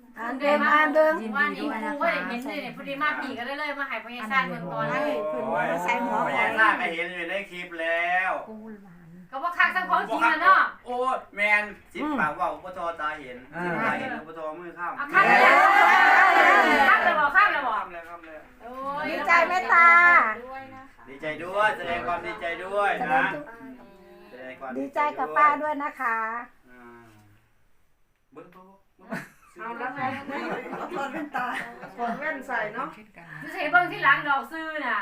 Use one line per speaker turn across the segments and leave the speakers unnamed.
อ่านเดิมอ่านเดิม
ว่านี่ครูก็ได้เห็นเลยพอดีมาผีก็เลยมาหายพญาชาติเมืองก่อนให้
เพิ่นว่าใส่หัว
พ
ก่อ
ญาน นาคก็เห็นอยู่ในคลิปแล้ว
ก็ว่าคักทั้งของจริงนะเนาะ
โอ้แมนสิบปากว่าอุปทตาเห็นสิบตาเห็นอุปทมือข้าม
คักเลยคักเลยบอกคักเลยบอก
ข้ามเลยข้ามเลย
ดีใจไหมตา
ดีใจด้วยแสดงความดีใจด้วยนะแสดงความ
ดีใจกับป้าด้วยนะคะ
เบิ้งตัว
เอาแล้วไงเอาถอดแว่นตาถอดแว่นใส่เนาะ
จะใช้เบิ้งที่หลังดอกซื้อน่ะ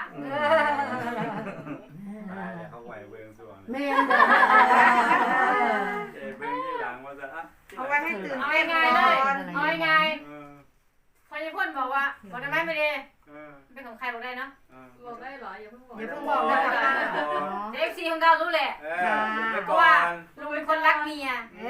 เขาไหวเบิ้งส่วน
แม่นเด้อ
เบิ้งที่หลังว่าจะ
เอาไว้ให้ตื่น
เอา
เต้น
ง่าย
ก่
เล
อย น
เอาง่ายพอจะพ่นบอกว่าบอกได้ไหมไม่ดีเป็นของใครบอกได้เนาะ
บอกได้เหรออย่าเพิ่งบอก
อย่าเพิ่งบอกนะคะ
เอฟซีของเรารู้แหละ เพราะว่าลุงเป็นคนรักเมีย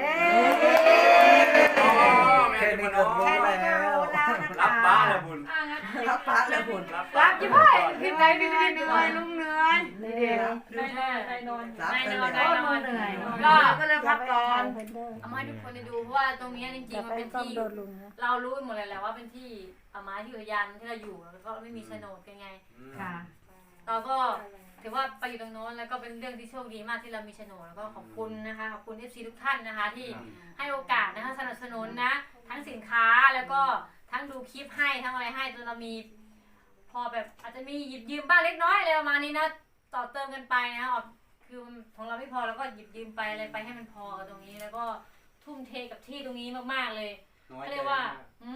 แค่นี้ก็รู้แล้วรับบ้าแล้วบุญ
รับพระแล้วบุญ
รักยิ่งไปพิมพ์ไหนพิมพ์
เหนื่อยลุงเหนื่อย
ได้นอน
รับ
ได้
ไป
น
เล
อน
ย
ได้นอน
เหนื่อย
ก็เลยพักก่อน
เพิ่นเด้อ
เอามาให้ทุกคนได้ดูเพราะว่าตรงนี้จริ
อง ย่า
ๆ
ไป
มันเป็น
ต้อง
ที่
โดนลุงนะ
เรารู้หมดเลยแหละว่าเป็นที่เอามาที่อุทยานที่เราอยู่แล้วก็ไม่มีโฉนดกันไง
ค่ะ
เราก็ถือว่าไปอยู่ตรงโน้นแล้วก็เป็นเรื่องที่โชคดีมากที่เรามีโฉนดแล้วก็ขอบคุณนะคะขอบคุณFCทุกท่านนะคะที่ให้โอกาสนะคะสนับสนุนนะ ทั้งสินค้าแล้วก็ทั้งดูคลิปให้ทั้งอะไรให้จนเรามี พอแบบอาจจะมีหยิบยืมบ้างเล็กน้อยอะไรประมาณนี้นะต่อเติมกันไปนะคือของเราไม่พอเราก็หยิบยืมไปอะไรไปให้มันพอกับตรงนี้ แล้วก็ทุ่มเทกับที่ตรงนี้มากๆเลยก็เรียกว่า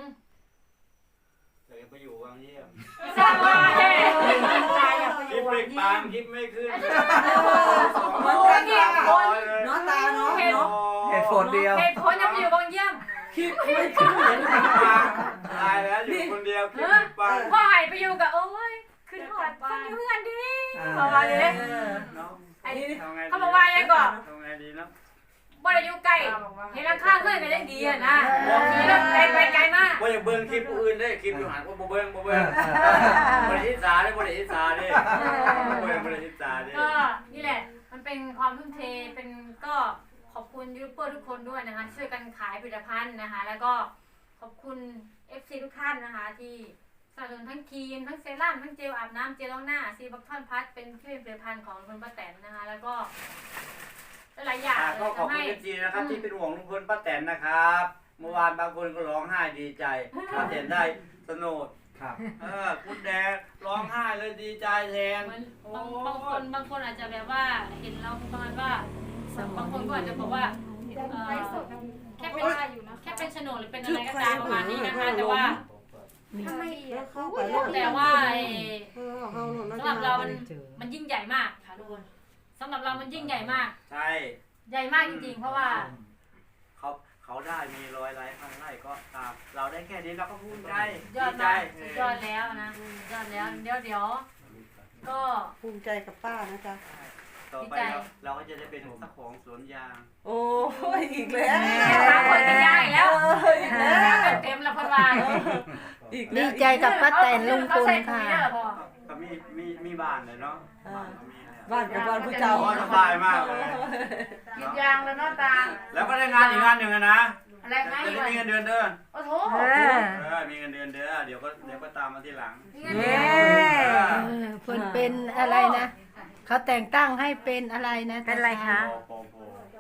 เดี๋ยวไปอยู่วังเยี่ยม
สบาย
คลิปไม่ปังคลิปไม่ขึ้น
เหมือนกันค่ะเนาะตาเนาะเนาะ
เหตุผลเดียว
เหตุผลยังอยู่บางเยี่ยม
คลิปไม่ขึ้นเหมือนกัน
ตายแล้วอยู่คนเดียวคลิปไม่ปัง
พ่อหายไปอยู่กับโอ้ยขึ้นหอดคนอยู่เพื่อนดีประมาณนี้
เนาะ
ไอ้
ทำไง
เขาบอกว่ายังก่อน
ทำไงดีเนาะ
บ่ได้อยู่ไกลเห็นราคาเพื่อนกันได้ดีอ่ะนะขี่รถไกลไปไกลมาก
ว่าอย่าเบิ่งคลิปผู้อื่นได้คลิปอยู่หันว่าบ่เบิ่งบ่เบิ่งบ่ได้อิจฉาได้บ่ได้อิจฉาได้บ่เบิ่งบ่ได้อิจฉาได้
ก็นี่แหละมันเป็นความทุ่มเทเป็นก็ขอบคุณยูทูบเบอร์ทุกคนด้วยนะคะช่วยกันขายผลิตภัณฑ์นะคะแล้วก็ขอบคุณ FC ทุกท่านนะคะที่สนับสนุนทั้งครีมทั้งเซรั่มทั้งเจลอาบน้ำเจลล้างหน้าซีบัคทอนพัทเป็นที่เป็นผลิตภัณฑ์ของคุณป้าแตนนะคะแล้วก็หลายอย่าง
ก็ขอบคุณจริงๆนะครับที่เป็นห่วงลุงพลป้าแตนนะครับเมื่อวานบางคนก็ร้องไห้ดีใจป้าแตนได้สนุก
ครับ
คุณแดงร้องไห้เลยดีใจแทน
เหมือนบางคนอาจจะแบบว่าเห็นเราประมาณว่าบางคนก็อาจจะบอกว่าแค่เป็นโฉนดหรือเป็นอะไรก็ตามประมาณนี้นะคะแต่ว่า
เข้าไป
แต่ว่าสำหรับเรามันยิ่งใหญ่มากค่ะทุกคนสำหรับเรามันยิ่งใหญ่มาก
ใช่
ใหญ่มากจริงๆเพราะว่า
เขาได้มี100 ไร่พันไร่ก็ตามเราได้แค่นี้เราก็ภูมิใจ
ยอดมากสุดยอดแล้วนะยอดแล้วเดี๋ยวก็
ภูมิใจกับป้านะจ๊ะ
ต่อไปเราก็จะได้เป็นเจ้าของสวนยาง
โอ้ยอีกแล้ว
ถามคนกันยากแล้วเต็มละพันวาน
อีก
ดีใจกับป้าแตนลุงพลค่ะ
ก็มีบ้านเลยเนาะ
บ้านกับบ้านผู้เจ้า
สบายมากเลย
กินยางแล้วเนาะตา
แล้วก็ได้งานอีกงานหนึ่งนะ
อะไรไง
จะได้มีเงินเดือนเด้อ
โอ้โห
มีเงินเดือนเด้อเดี๋ยวก็ตามมาทีหลัง
เพิ่นเป็นอะไรนะเขาแต่งตั้งให้เป็นอะไรนะเป็นอะไรคะ
โอ้โห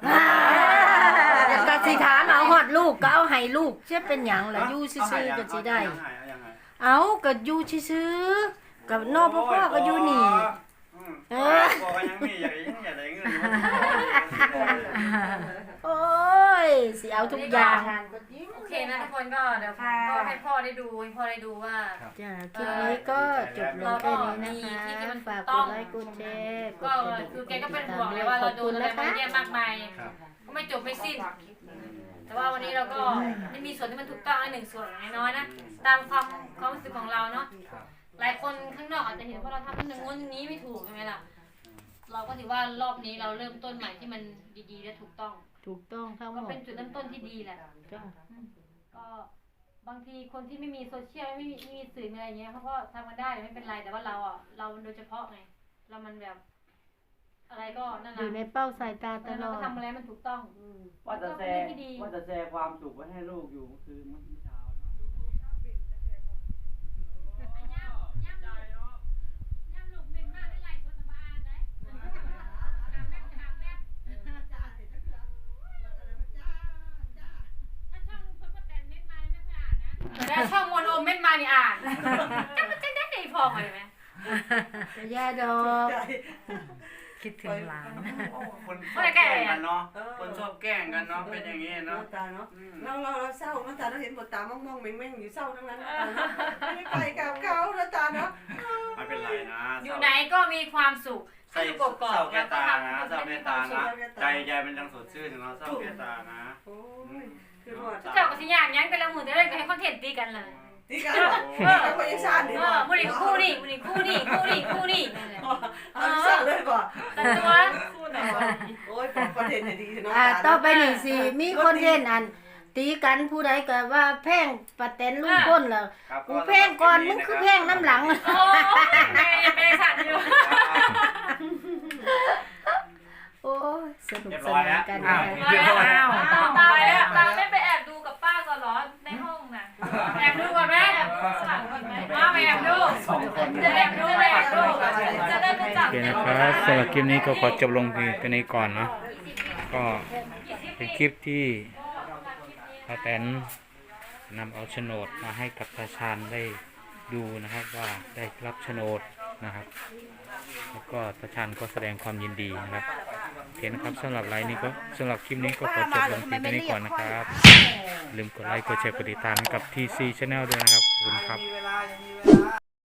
กสิถามเอาฮอดลูกก็เอาให้ลูกจะเป็นหยังล่ะอยู่ซื่อๆก็สิได้ เอาก็อยู่ซื่อๆกับนอกพ่อก็อยู่นี่
บอกว่ายังมีอย่าได้เงิน
โอ้ยสิเอาทุกอย่าง
โอเคนะทุกคนก็เดี๋ยวก็ให้พ่อได้ดูว่า
จ้าคลิปนี้ก็จบลงแค่นี้นะคะฝากกดไลค์กดแชร์
ก็คือแกก็เป็นห่วงเลยว่าเราโดนอะไรมาเยอะมากมายก็ไม่จบไม่สิ้น แต่ว่าวันนี้เราก็ไม่มีส่วนที่มันถูกต้องหนึ่งส่วนน้อยๆนะตามความรู้สึกของเราเนาะหลายคนข้างนอกอาจจะเห็นว่าเราทำอย่างงู้นอย่างนี้ไม่ถูกใช่ไหมล่ะเราก็ถือว่ารอบนี้เราเริ่มต้นใหม่ที่มันดีๆและถูกต้อง
ถูกต้องทั้งหม
ก็
ด
เป็นจุดเริ่มต้นที่ดีแหละ
จ้า
ก็บางทีคนที่ไม่มีโซเชียลไม่มีสื่ออะไรเงี้ยเขาก็ทำกันได้ไม่เป็นไรแต่ว่าเราอ่ะเราโดยเฉพาะไงเรามันแบบอะไรก็นั่น
อยู่ใน
นะ
เป้าสายตาตล
เรา
อ
ก็
ด
ทำอะไรมันถูกต้อง
ว่าจะแชร์ความสุขไว้ให้ลูกอยู่คือเมื่อเช้า
ย่ำลูกเม่นมากได้ไรคนสบายได้ถามแม่ถ้าช่องลุงพลป้าแตนเม่นมาไม่เคยอ่านนะแต่ถ้าช่องมวลโอมเม่นมานี่อ่านจะมันจะได้ใจพอเลยไหม
จะแย่ดอกคิดถึงหลาน
คนชอบแกล้งกันเนาะคนชอบแกล้งกันเนาะเป็นอย่างนี้เนาะ
ตาเนาะเราเศร้าตาเราเห็นบทตามองๆเม่งๆอยู่เศร้าทั้งนั้นไม่ไปกับเขาแล้วตาเนาะ
ไม่เป็นไรนะ
อยู่ไหนก็มีความสุข
ใส่
อยู่กกอ
เศร้าก แก่
แล้วก็
ตา
ทำ
นะ
ให้
เศร้า
มี
แก่
ควา
ตาม
สุ
นะ
ข
ใจมันยังสดชื่นเนาะเศร้าแก่ตานะ
โอ้ยคือหมด
เจ้าก็สิย่างยังแต่ละมือแต่ละก็ให้คอนเทนต์ตีกันเลย
นี่กันแล้วพยาชาติ
มื้อนี้คู่นี่มื้อนี้คู่นี่คู่นี่คู่นี่นั่นแหละ
เอาเศร้าเลยบ่
แต่ตัว
โอ้ยคอนเทนต์ดีเนาะ
ต่อไปนี่สิมีคนเล่นอัน ตีกันผู้ใดก็ว่าแพงป้าแตนลุงพลแล้ว
ครับ
กูแพงก่อนมึงคือแพงน้ำหลัง
โอ้แม่ยังไม่ได้สั่นอยู่
โอ้ยสนุก
เรียบ
ส
ร้อย
นา
แล้
น
ว
กัน
อ้าว
นะคะ
เรียบร้อยแล้ว
ตายแล้วตาไม่ไปแอบดูกับป้าก่อนเหรอในห้องน่ะแอบดูก่อนไหมแอบดูก่อนไหมมาไปแอบดู
สองคน
จะแอบดูไปแอบดูจะได้ไม่จับ
โอเคนะครับสำหรับคลิปนี้ก็ขอจบลงเพียงแค่นี้ก่อนเนาะก็เป็นคลิปที่ป้าแตนนำเอาโฉนดมาให้กับตาชาญได้ดูนะครับว่าได้รับโฉนดนะครับแล้วก็ตาชาญก็แสดงความยินดีนะครับโอเคนะครับสำหรับคลิปนี้ก็ขอจบลงเพียงแค่นี้ก่อนนะครับอย่าลืมกดไลค์กดแชร์กดติดตามให้กับ TC Channel ด้วยนะครับขอบคุณครับ
มีเวลายังมีเวลา